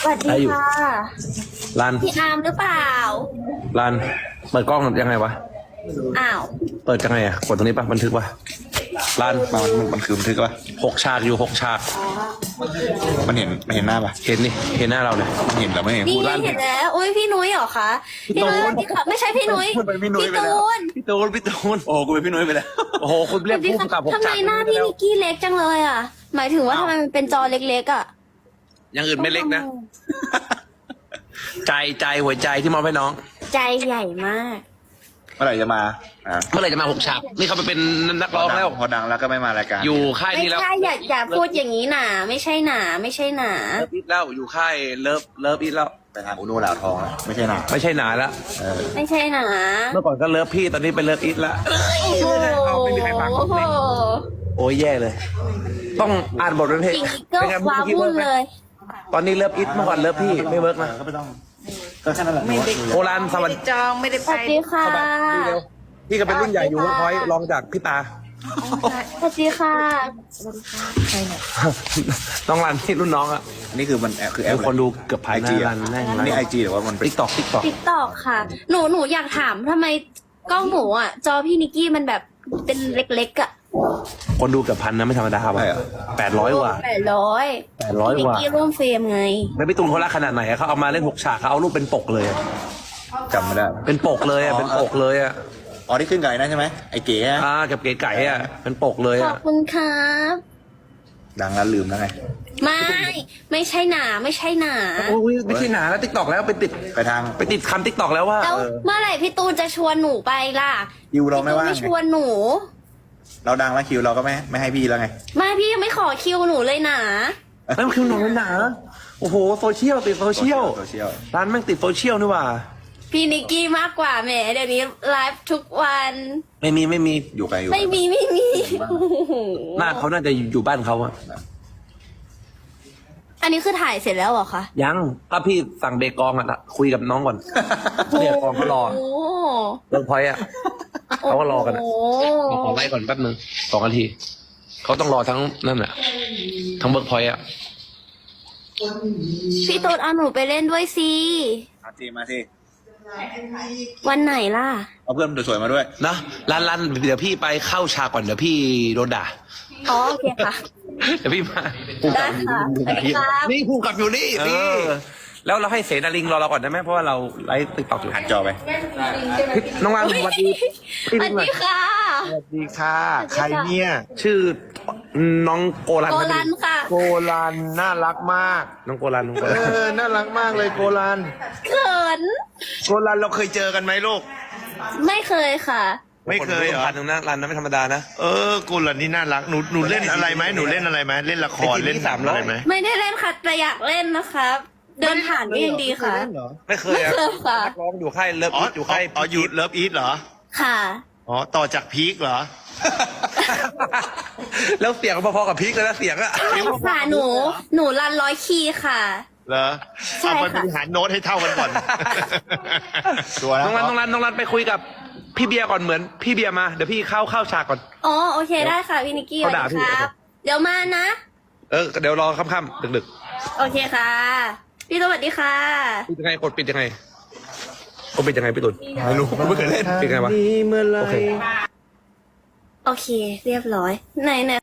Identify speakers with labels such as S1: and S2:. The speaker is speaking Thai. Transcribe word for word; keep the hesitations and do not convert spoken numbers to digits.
S1: สวัสดีค่ะ
S2: รัน
S1: พี่อาร์มหรือเปล่า
S2: รันเปิดกล้องยังไงวะ
S1: อ้าว
S2: เปิดยังไงอ่ะกดตรงนี้ปะบันทึกปะรัน
S3: มันมันมันคือบันทึกปะ
S2: หกฉากอยู่หกฉาก
S3: มันเห็นมันเห็นหน้าปะ
S2: เห็นนี่เห็นหน้าเราเนี่ย
S3: มันเห็นหรือไม่เห็น
S1: นี่
S2: ลั่น
S1: เห็นแล้วอุ้ยพี่นุ้ยเหรอคะพี่นุ้ยสวัสดีค่ะไม่ใช่พี่นุ้ย
S3: เป็นพี่นุ้ย
S1: พี่
S3: ไปแล้ว
S1: ตูน
S2: พี่ตูนพี่ตูน
S3: โอ้กูเป็นพี่นุ้ยไปแล้ว
S2: โอ้โหคุณ
S1: ส
S2: เรีย
S1: วั
S2: ก
S1: สดี
S2: ผู้
S1: ค่ะ
S2: กำกับหก
S1: ทำไม
S2: ฉาก
S1: หน้าพี่นิกกี้เล็กจังเลยอ่ะ หมายถึงว่าทำไมมันเป็นจอเล็กๆอ่ะ
S2: อย่างอื่นไม่เล็กนะ ใจใจหัวใจที่มอบให้น้อง
S1: ใจใหญ่มาก
S3: เมื่อไหร่จะมาอ่า
S2: เมื่อไหร่จะมาหกฉากนี่เขาไปเป็นนักร้องแล้ว
S3: พอดังแล้วก็ไม่มารายการ
S2: อยู่ค่าย
S1: ไม่
S2: นี้แล้ว
S1: ใช่อย่าอย่าพูดอย่างนี้หนาไม่ใช่หนาไม่ใช่หนา
S2: เลิฟอีทแล้วอยู่ค่ายเลิฟเลิฟอีทแล้ว
S3: ไปทางอุโนเหล่าทองแล้วไม่ใช่หนา
S2: ไม่ใช่หนาแล้ว
S3: เออ
S1: ไม่ใช่หนา
S2: เมื่อก่อนก็เลิฟพี่ตอนนี้เป็นเลิฟอีทแล้ว
S1: โอ้โห
S2: เอาไม่มีใครฟัง
S1: โอ้โห
S2: โอ้ยแย่เลย ต้องอ่านบทเป็นเพลง
S1: จริงก็
S2: เป็นไง
S1: ว้า
S2: เมื่อกี้
S1: วุ่
S2: เวิร์
S1: น
S2: กไหม
S1: เลย
S2: ตอนนี้เลิฟอีทเมื่อก่อนเลิฟพี่ไม่เวิร์กนะ
S3: ก็ไม่ต้องก็แค่นั้นแหละ
S4: ไม่ได้
S2: โอรันสวัสดี
S4: จองไม่ได้
S1: ส
S4: ไป
S1: วัสดีค่ะ
S2: เร็วพี่ก็เป็นรุ่นใหญ่อยู่เวิร์กพอยต์รองจากพี่ตา
S1: สวัสดีค่ะ
S2: น้องรันที่รุ่นน้องอะ
S3: นี่คือมันแอปคือแอป
S2: คนดูเกือบพัน
S3: ไอจี
S2: นะ
S3: อ่ะ
S2: แน่น
S3: นี่ไอจีหรือว่ามันเป็น
S2: ติ๊กตอกติ๊กตอก
S1: ติ๊กตอกค่ะ หนูหนูอยากถามทำไมกล้องหนูอ่ะ จอพี่นิกกี้มันแบบเป็นเล็กๆอ่ะ
S2: คนดูเกือบพันนะไม่ธรรมดาว่ะแปดร้อยกว่า
S1: แปดร้อย
S2: แปดร้อย
S1: พี่นิ
S2: ก
S1: ก
S2: ว่า
S1: กี้ร่วมเฟรมไง
S2: แล้วพี่ตูนเขารักขนาดไหนอะเขาเอามาเล่นหกฉากเขาเอารูปเป็นปกเลยอะ
S3: จำไม่ได้
S2: เป็นปกเลยอะเป็นปกเลยอะ
S3: อ๋อที่ขึ้นไก่นั่นใช่ไหมไอเก๋อะ
S2: อ่ากับเก๋ไก่อะเป็นปกเลย
S1: ขอ
S2: อะ
S1: บคุณครับ
S3: ดังแล้วลืมแล้วไง
S1: ไม่ ไม่ใช่หนา ไม่ใช่หนา
S2: โอ้ยไม่ใช่หนาแล้วติ๊กตอกแล้วไปติด
S3: ไปทาง
S2: ไปติดคำติ๊กตอกแล้วว่า
S1: แล้ว
S2: เออ
S1: เมื่อไหร่พี่ตูนจะชวนหนูไปล่ะ
S3: คิวเรา
S1: พี่
S3: ไม่
S1: ตูน
S3: ว่าง
S1: ไม่ช
S3: ไง
S1: วนหนู
S3: เราดังแล้วคิวเราก็ไม่ไม่ให้พี่แล้วไง
S1: ไม่พี่ยังไม่ขอคิวหนูเลยนะ
S2: แล้วมันคือหนังหนาโอ้โหโซเชียลติดโซเชียล
S3: โซเชียล
S2: ร้านแม่งติดโซเชียลนี่หว่า
S1: พี่นิกกี้มากกว่าแหมเดี๋ยวนี้ไลฟ์ทุกวัน
S2: ไม่มีไม่มี
S3: อยู่ไกลอยู่
S1: ไม่มีไม่มีโอ้โห
S2: หน้าเขาน่าจะอยู่บ้านเขาอะ
S1: อันนี้คือถ่ายเสร็จแล้วเหรอคะ
S2: ยังก็พี่สั่งเบกองอะคุยกับน้องก่อนเนี่ยกองเขารอ
S1: โอ้
S2: เลิกพอยต์อะเขาก็รอกันอะ
S1: โอ้
S2: ขอขอไล่ก่อนแป๊บนึงสองนาทีเขาต้องรอทั้งนั่นอะทั้งเบิร์กพอยต์อะ
S1: พี่ตูนเอาหนูไปเล่นด้วยสิ
S3: มาทีมาที
S1: วันไหนล่ะ
S3: เอาเพื่อนสวยๆมาด้วย
S2: นะรันรันเดี๋ยวพี่ไปเข้าฉากก่อนเดี๋ยวพี่โดนด่า
S1: อ๋อโอเคค่ะ
S2: เดี๋ยวพี่มา
S1: ได้ค่ะสวัสดีครับ
S2: นี่ภูมิกับอยู่นี่นี่แล้วเราให้เสนาลิงรอเราก่อนได้ไหมเพราะว่าเราไลฟ์ติ๊กต็อกอยู่
S3: หันจอไป
S2: น้องรันสวัสดี
S1: สวัสดีค่ะ
S5: สวัสดีค่ะ ใครเนี่ย
S2: ชื่อน้องโกลัน
S1: โกลันค่ะ
S5: โกลันน่ารักมาก
S2: น้องโกลันน้องโก
S5: เอ
S2: ลัน
S5: อ น่ารักมากเลยโกลัน
S1: เขิน
S5: โกลันเราเคยเจอกันไหมลูก
S1: ไม่เคยค่ะ
S5: ไม่เคยเหรอ
S2: พันหนึ่งนะรันนะไม่ธรรมดานะ
S5: เออโกลันนี่น่ารัก หนูหนูเล่นอะไรไหมหนูเล่นอะไรไหมเล่นละคร
S2: ไอ้ที่
S5: เล่นหนัง
S2: สามร้อย
S5: อะไรไหม
S1: ไม่ได้เล่นค่ะแต่อยากเล่นนะครับ เดินผ่านก็ยังดีค่ะ
S2: ไม่เคยอะ
S1: ไม่เคยค่ะ
S2: นักร้องอยู่ค่ายเลิฟ
S5: อ๋อ
S2: อีทอยู่ค่าย
S5: อ๋ออยู่เลิฟอีทเหรอ
S1: ค่ะ
S5: อ๋อ ต่อจากพีคเหรอ
S2: แล้วเสียงพอๆกับพีคเลยนะเสียงอะ
S1: ใช่ค่ะหนู หนูรันร้อยคีย์ค่ะ
S5: เหรอ
S1: ใช่
S5: เอาไป
S1: ค่ะ
S5: บริหารโน้ตให้เท่ากันก่อน
S3: ตัวแล้ว
S2: น้องรันน้องรันน้องรันไปคุยกับพี่เบียร์ก่อนเหมือนพี่เบียร์มาเดี๋ยวพี่เข้าเข้าฉากก่อน
S1: อ๋อโอเคได้ค่ะพี่นิกกี้ส
S2: เขา
S1: วัส
S2: ด่า
S1: ดี
S2: พี่
S1: ครับ เดี๋ยวมานะ
S2: เออเดี๋ยวรอค่ำๆดึก
S1: โอเคค่ะ พี่สวัสดีค่ะ
S2: ๆปิดยังไงกดปิดยังไงกดปิดยังไงพี่ตุลไม่รู้ไม่เคยเล่นปิดยังไงวะ
S5: เมื่อไร
S2: โอเค
S1: โอเค เรียบร้อยไหนไหน